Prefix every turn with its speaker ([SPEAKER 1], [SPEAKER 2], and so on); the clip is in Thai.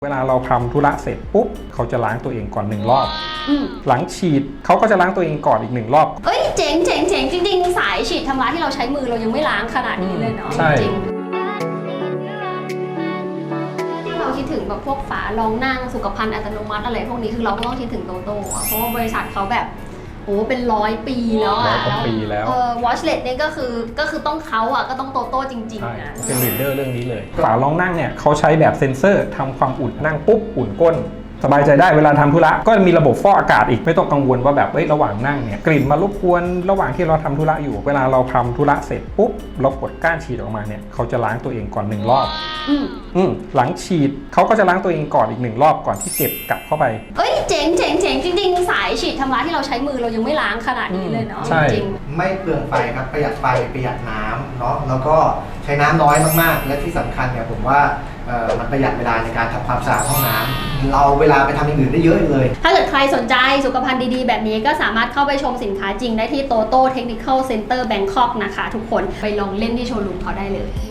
[SPEAKER 1] เวลาเราทำธุระเสร็จปุ๊บเขาจะล้างตัวเองก่อน1 รอบหลังฉีดเขาก็จะล้างตัวเองก่อนอีก1 รอบ
[SPEAKER 2] เอ้ยเจ๋งจริงๆสายฉีดทำร้ายที่เราใช้มือเรายังไม่ล้างขนาดนี้เลยเนาะจริงที่เราคิดถึงแบบพวกฝารองนั่งสุขภัณฑ์อัตโนมัติอะไรพวกนี้คือเราก็ต้องคิดถึงโตโต้เพราะว่าบริษัทเขาแบบโอ้เป็น100 ปีแล้วอ่ะwatchlet เนี่ยก็คือต้องเขาอ่ะก็ต้องโตโต้จริงๆนะ
[SPEAKER 1] เป็นลีดเดอร์เรื่องนี้เลยฝารองนั่งเนี่ยเขาใช้แบบเซ็นเซอร์ทำความอุ่นนั่งปุ๊บอุ่นก้นสบายใจได้เวลาทำธุระก็มีระบบฟอกอากาศอีกไม่ต้องกังวลว่าแบบระหว่างนั่งเนี่ยกลิ่นมารบกวนระหว่างที่เราทำธุระอยู่เวลาเราทำธุระเสร็จปุ๊บเรากดก้านฉีดออกมาเนี่ยเขาจะล้างตัวเองก่อน1 รอบหลังฉีดเขาก็จะล้างตัวเองก่อนอีก1 รอบก่อนที่เก็บกลับเข้าไป
[SPEAKER 2] เอ้ยเจ๋งจริงๆสายฉีดทำร้ายที่เราใช้มือเรายังไม่ล้างขนาดนี้เลยเนาะจริง
[SPEAKER 3] ไม่เปลืองไฟครับประหยัดไฟประหยัดน้ำเนาะแล้วก็ใช้น้ำน้อยมากๆและที่สำคัญเนี่ยผมว่ามันประหยัดเวลาในการทำความสะอาดห้องน้ำเราเวลาไปทำอย่างอื่นได้เยอะเลย
[SPEAKER 2] ถ้าเกิดใครสนใจสุขภัณฑ์ดีๆแบบนี้ก็สามารถเข้าไปชมสินค้าจริงได้ที่โตโต้เทคนิคอลเซ็นเตอร์แบงคอกนะคะทุกคนไปลองเล่นที่โชว์รูมเขาได้เลย